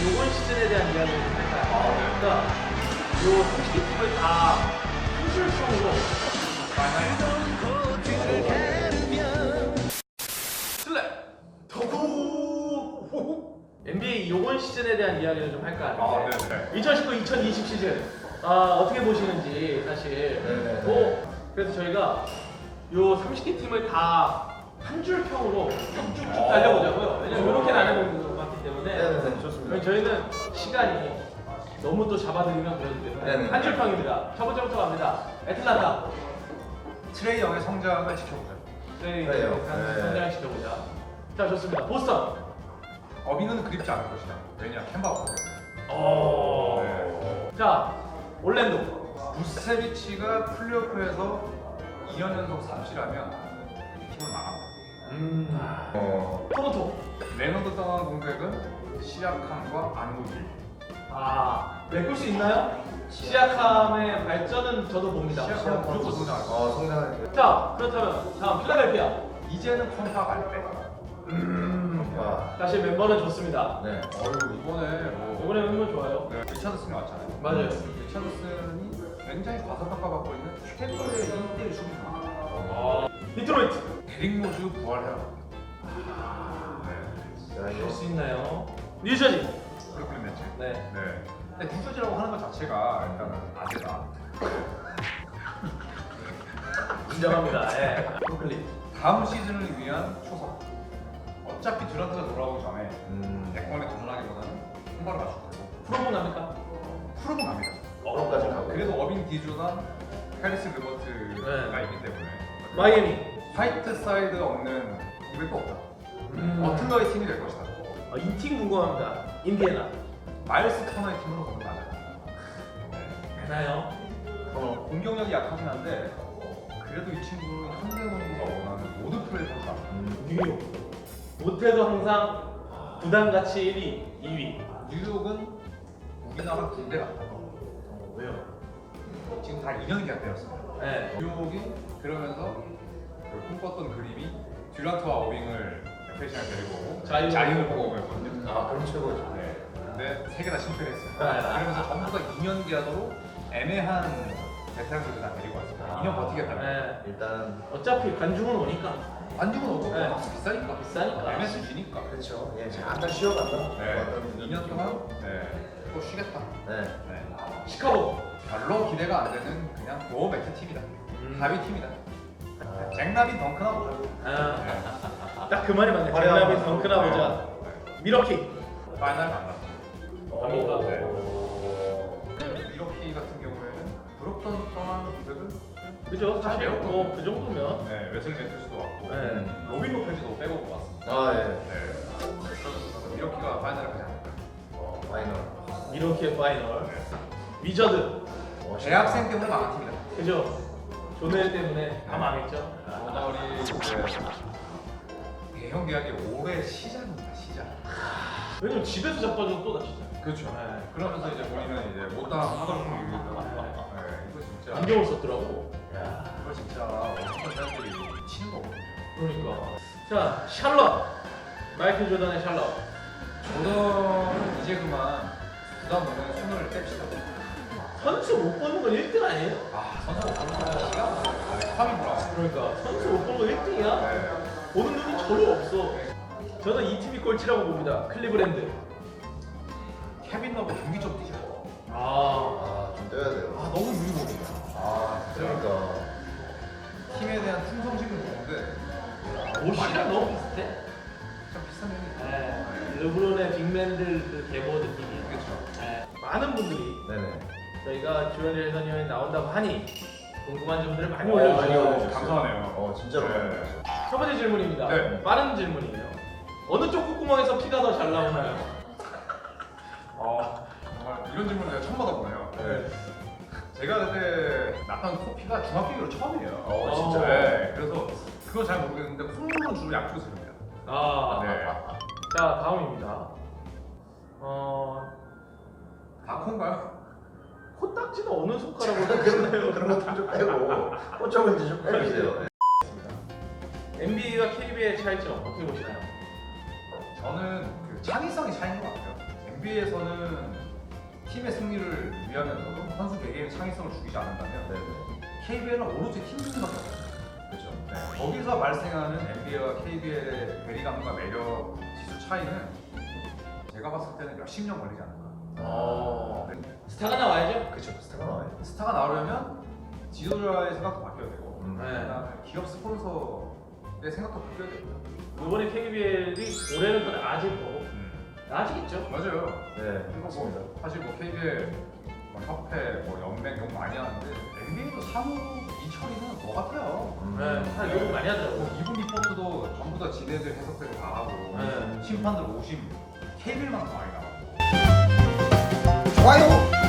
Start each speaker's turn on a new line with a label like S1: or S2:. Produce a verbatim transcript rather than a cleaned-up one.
S1: 이번 시즌에 대한 이야기를 좀 할까요? 그러니까 요 삼십 개 팀을 다 한줄평으로 슬랩 더구 엔비에이 요번 시즌에 대한 이야기를 좀 할까
S2: 아,
S1: 하는데
S2: 네네.
S1: 이천십구 이천이십 시즌 아, 어떻게 보시는지 사실
S3: 네네.
S1: 뭐 그래서 저희가 요 삼십 개 팀을 다 한 줄 평으로 쭉쭉쭉 달려보자고요. 왜냐면 이렇게 나눠보는 것 같기 때문에
S3: 네네, 좋습니다.
S1: 그럼 저희는 시간이 너무 또 잡아들이면 그러기 때문에
S3: 네네.
S1: 한 줄 평입니다. 첫 번째부터 갑니다. 애틀란타
S2: 트레이 영의 성장을 지켜보자.
S1: 저희
S3: 그래요.
S1: 네.
S3: 네.
S1: 성장 시켜보자. 자 좋습니다. 보스턴
S2: 어빙은 그립지 않을 것이다. 왜냐, 캔바가 없기 때문에.
S1: 오.
S2: 네.
S1: 자 올랜도
S2: 부세비치가 플레이오프에서 이 년 연속 삼실하면 팀을 망합니다.
S1: 음.
S3: 어,
S1: 토론토
S2: 레너드 떠난 공백은 시약함과 안무길.
S1: 아 메꿀 수 있나요? 시아캄의 발전은 저도 봅니다.
S2: 시약함은 무조건 성장할 거야.
S3: 어, 성장할 때.
S1: 자 그렇다면 다음 필라델피아
S2: 이제는 컴파 갈 때.
S1: 음.
S3: 아,
S1: 다시 멤버는 좋습니다.
S3: 네.
S2: 어휴, 이번에 뭐.
S1: 이번에 멤버 좋아요.
S2: 네, 리차드슨이 왔잖아요.
S1: 맞아요.
S2: 리차드슨이 굉장히 과소평가받고 있는 최고의 일 대 일 수비수.
S1: 아, 디트로이트
S2: 데릭 로즈 부활해라. 네.
S3: 자,
S1: 할
S3: 이거.
S1: 수 있나요? 뉴저지
S2: 브루클린 매치.
S1: 네.
S2: 네. 근데 뉴저지라고 하는 것 자체가 일단은 아재다.
S1: 인정합니다. 예. 브루클린
S2: 다음 시즌을 위한 초석. 어차피 듀란트가 돌아오기 전에
S3: 음,
S2: 백번에 도전하기보다는 손발을 맞출 거고
S1: 프로모 납니까?
S2: 프로는 갑니다.
S3: 어로까지 가고.
S2: 그래도 어빙 디조단 해리스 르버트가
S1: 네.
S2: 있기 때문에
S1: 마이애미
S2: 화이트 사이드 없는 공백도 없다.
S1: 음.
S2: 버틀러의 팀이 될 것이다.
S1: 아, 이 팀 궁금합니다. 인디애나
S2: 마일스 터너의 팀으로 가면 맞아요. 네.
S1: 되나요?
S3: 어,
S2: 공격력이 약하긴 한데 그래도 이 친구는 현대농구가 원하는 모든 플레이를 다.
S3: 음,
S1: 뉴욕 못해도 항상 부담가치 일 위, 이 위.
S2: 뉴욕은 우리나라 군대 같다.
S1: 어, 왜요?
S2: 지금 다 이 년 계약되었습니다.
S1: 네.
S2: 뉴욕이 그러면서 그 꿈꿨던 그림이 듀란트와 어빙을 에페이션을 데리고 오고
S1: 자유-
S2: 자유를 보고 오거든요.
S3: 아, 그럼 최고죠.
S2: 네. 근데 세 개 다 실패했어요.
S1: 네.
S2: 그러면서 전부 다 이 년 계약으로 애매한 베테랑들을 다 데리고 왔습니다. 이 년 버티겠다.
S1: 네.
S3: 일단,
S1: 어차피 관중은 오니까
S2: 안주는 어떻고
S1: 네.
S2: 값이 비싸니까.
S1: 비싸니까.
S2: 엠에스지니까.
S3: 그렇죠. 예, 잠깐 쉬어간다.
S2: 네.
S3: 어떤
S2: 이 년 동안 네. 또 쉬겠다.
S3: 네.
S2: 네.
S1: 시카고
S2: 별로 기대가 안 되는 그냥 노어 매트 팀이다.
S1: 음.
S2: 가비 팀이다.
S3: 아,
S2: 잭라빈 덩크나 보자.
S1: 아,
S2: 네.
S1: 딱 그 말이 맞네.
S3: 화려한
S1: 잭라빈
S3: 모습.
S1: 덩크나 보자.
S2: 네.
S1: 미러키
S2: 파이널 만났어.
S1: 갑니까?
S2: 네.
S3: 오.
S2: 미러키 같은 경우에는 브록턴 떠난 공백은
S1: 그죠? 사실 뭐그 정도면
S2: 네, 웨슬리 매트스도 왔고
S1: 네.
S2: 로빈 로페즈도 빼고 왔습니다.
S3: 아, 예.
S2: 네. 미러키가 파이널을 가지 않을까.
S3: 어, 파이널.
S1: 미러키의 파이널 위저드
S3: 어,
S2: 대학생 때문에 망한 팀이다.
S1: 그죠? 조넬 때문에 다 망했죠.
S2: 오너리 이제 대형 계약이 올해 시작입니다. 시작.
S1: 왜냐면 집에서 자빠져도 또 다치잖아요.
S2: 그렇죠.
S1: 네.
S2: 그러면서 이제 본인은 이제 못당 하더라고 얘기했잖아. 네, 이거 진짜.
S1: 안경을 썼더라고.
S2: 이거 진짜 어떤 사람들이 치는 거거든요.
S1: 그러니까. 자, 샬럿. 마이클 조던의 샬럿.
S2: 저는 이제 그만 부담 없는 손을 뗍시다.
S1: 선수 못 보는 건 일 등 아니에요?
S2: 아, 선수 못 보는 거 시간 없어. 카미 브라운.
S1: 그러니까 선수 못 보는 건 일 등이야.
S2: 네.
S1: 보는 눈이 전혀 없어. 저는 이 팀이 꼴찌라고 봅니다. 클리브랜드.
S2: 케빈 러브 경기 좀 뛰죠.
S1: 아,
S3: 아, 좀 떼야 돼요.
S2: 아, 너무 유리보이야. 아,
S3: 그러니까.
S2: 팀에 대한 충성심은 좋은데
S1: 옷이랑 너무 비슷해.
S2: 좀 비싼 면이 있다.
S1: 네. 르브론의 빅맨들 그 계보 느낌이에요.
S2: 그렇죠.
S1: 네. 많은 분들이
S3: 네네.
S1: 저희가 주연일 선생님이 나온다고 하니 궁금한 점들을 많이
S3: 어, 많이
S1: 올려주세요.
S3: 올려주세요.
S2: 감사하네요.
S3: 어, 진짜로
S2: 네.
S3: 많이 올려주세요.
S1: 첫 번째 질문입니다.
S2: 네.
S1: 빠른 질문이에요. 어느 쪽 콧구멍에서 피가 더 잘 나오나요?
S2: 어, 정말 이런 질문을 제가 처음 받아보네요.
S3: 네.
S2: 제가 그때 났던 코피가 중학교 이후로 처음이에요.
S3: 어, 진짜.
S2: 네, 그래서 그건 잘 모르겠는데 콧물은 주로 약국에서 줍니다.
S1: 아,
S2: 네.
S1: 자 다음입니다. 어,
S2: 다콘가요?
S1: 코딱지는 어느 손가락으로
S3: 그런,
S1: 닦나요?
S3: 그런 것도 좀 빼고, 꽃점은 이제 좀 빼주세요.
S1: 엔비에이와 케이비에이의 차이점 어떻게 보시나요?
S2: 저는 그 창의성이 차이인 것 같아요. 엔비에이에서는 팀의 승리를 위하면서도 선수 개개인의 창의성을 죽이지 않는다면
S3: 네.
S2: 케이비엘은 오로지 팀 승리밖에 없어요. 그렇죠. 네. 거기서 발생하는 엔비에이와 케이비엘의 괴리감과 매력 지수 차이는 제가 봤을 때는 몇십 년 걸리지 않을까.
S1: 어.
S2: 네.
S1: 스타가 나와야죠.
S3: 그쵸. 스타가 나와요.
S2: 스타가 나오려면 지도자의 생각도 바뀌어야 되고
S3: 음.
S1: 네.
S2: 그다음에 기업 스폰서의 생각도 바뀌어야 됩니다.
S1: 이번에 케이비엘이 올해는 더 나아질 거고
S2: 음.
S1: 나아지겠죠.
S2: 맞아요.
S3: 네.
S2: 그리고
S3: 맞습니다.
S2: 뭐 사실 뭐 케이비엘 뭐 협회 뭐 연맹 욕 많이 하는데 엔비에이도 사무 이철이는 뭐 같아요.
S3: 음.
S1: 네, 다 욕을 많이 하더라고.
S2: 뭐 이분 리포트도 전부 다 지네들 해석대로 다 하고
S1: 네.
S2: 심판들 오심 케이비엘만 더 많이 나와.
S3: 좋아요.